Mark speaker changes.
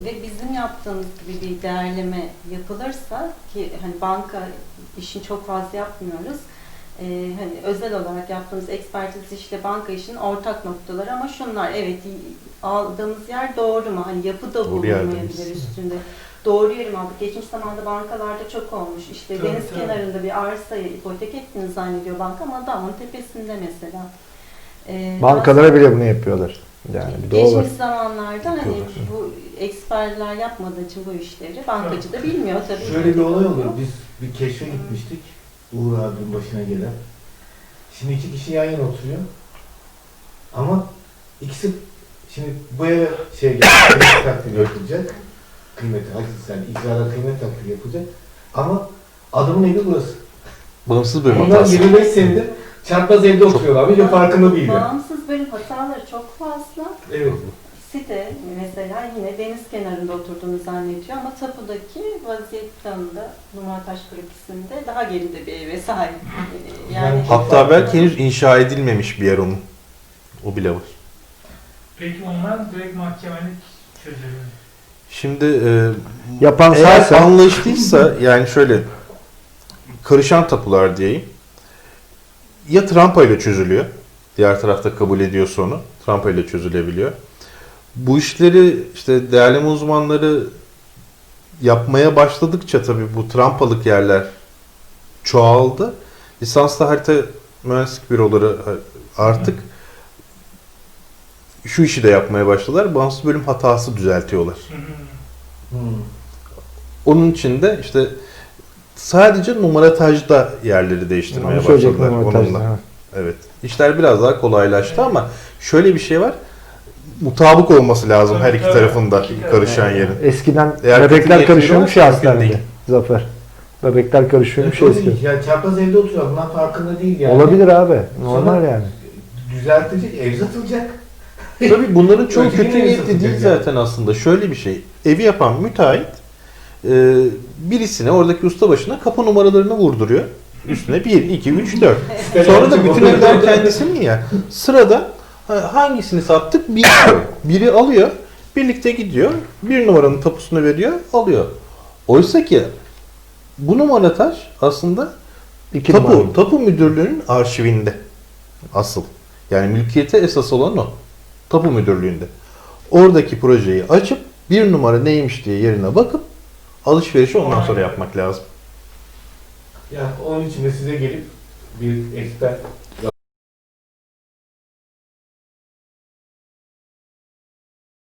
Speaker 1: Ve bizim yaptığımız gibi bir değerleme yapılırsa ki hani banka işini çok fazla yapmıyoruz. Hani özel olarak yaptığımız ekspertiz işle banka işinin ortak noktaları ama şunlar, evet, aldığımız yer doğru mu? Hani yapı da bulunmayabilir üstünde. Doğru yeri mi aldık? Geçmiş zamanda bankalarda çok olmuş. İşte
Speaker 2: Tabii,
Speaker 1: deniz
Speaker 2: tabii.
Speaker 1: kenarında bir arsayı ipotek ettiğini zannediyor banka ama dağın tepesinde mesela.
Speaker 3: Bankalara bile bunu yapıyorlar. Yani bir de o var.
Speaker 1: Geçmiş zamanlarda hani
Speaker 3: Yapıyorlar.
Speaker 1: bu ekspertler yapmadığı için bu işleri bankacı da bilmiyor tabii.
Speaker 2: Şöyle bir olay olur. Biz bir keşfe gitmiştik. Uğur abinin başına gelen. Şimdi iki kişi yan yana oturuyor. Ama ikisi şimdi bu eve kıymet takdiri yapılacak. Kıymeti, hakikaten icrada kıymet takdiri yapılacak. Ama adamın evi burası.
Speaker 4: Bağımsız bölüm
Speaker 2: Onlar
Speaker 4: hatası.
Speaker 2: 25 senedir çarpaz evde oturuyorlar. Bir farkında değiller.
Speaker 1: Bağımsız bölüm hataları çok fazla.
Speaker 2: Evet.
Speaker 1: Site mesela yine deniz kenarında oturduğunu zannediyor ama tapudaki vaziyet planında Numartaş Bölgesi'nde daha geride bir eve sahip. Yani
Speaker 4: Hatta belki henüz inşa edilmemiş bir yer onun. O bile var.
Speaker 5: Peki onlar direkt mahkemelik çözülüyor.
Speaker 4: Şimdi
Speaker 3: Yapan
Speaker 4: eğer
Speaker 3: sensin.
Speaker 4: anlaştıysa yani şöyle karışan tapular diyeyim. Ya trampa ile çözülüyor. Diğer tarafta kabul ediyorsa onu. Trampa ile çözülebiliyor. Bu işleri işte değerleme uzmanları yapmaya başladıkça tabii bu trampalık yerler çoğaldı. Lisanslı harita mühendislik büroları artık şu işi de yapmaya başladılar. Bağımsız bölüm hatası düzeltiyorlar. Onun için de işte sadece numaratajda yerleri değiştirmeye
Speaker 3: Onu söyleyecektim
Speaker 4: başladılar
Speaker 3: montajda,
Speaker 4: onunla.
Speaker 3: ha.
Speaker 4: Evet. İşler biraz daha kolaylaştı ama şöyle bir şey var. Mutabık olması lazım
Speaker 5: Tabii,
Speaker 4: her iki
Speaker 5: tabii.
Speaker 4: tarafında
Speaker 5: İki taraf.
Speaker 4: karışan yerin.
Speaker 3: Eskiden
Speaker 4: Eğer
Speaker 3: bebekler
Speaker 4: kötü
Speaker 3: karışıyormuş
Speaker 4: niyetli
Speaker 3: ya
Speaker 4: olursa mümkün
Speaker 3: hastanede. Zafer. Bebekler karışıyormuş ya
Speaker 2: Tabii,
Speaker 3: eskiden.
Speaker 2: yani çarpaz evde oturuyor. Bunlar farkında değil yani.
Speaker 3: Olabilir abi. Normal
Speaker 2: Sonra-
Speaker 3: yani.
Speaker 2: Düzeltilecek, ev satılacak.
Speaker 4: Tabii bunların çoğu
Speaker 2: Öteki
Speaker 4: kötü
Speaker 2: nereye
Speaker 4: niyetli değil
Speaker 2: satacak yani?
Speaker 4: zaten aslında. Şöyle bir şey. Evi yapan müteahhit birisine oradaki ustabaşına kapı numaralarını vurduruyor. Üstüne 1, 2, 3, 4. Sonra da bütün evler kendisinin ya. Sırada hangisini sattık bilmiyor. Biri alıyor, birlikte gidiyor, bir numaranın tapusunu veriyor, alıyor. Oysa ki bu numarataj aslında
Speaker 3: İki numara.
Speaker 4: tapu müdürlüğünün arşivinde asıl. Yani mülkiyete esas olan o. Tapu müdürlüğünde. Oradaki projeyi açıp bir numara neymiş diye yerine bakıp alışverişi ondan sonra yapmak lazım.
Speaker 2: Yani onun için de size gelip bir eksper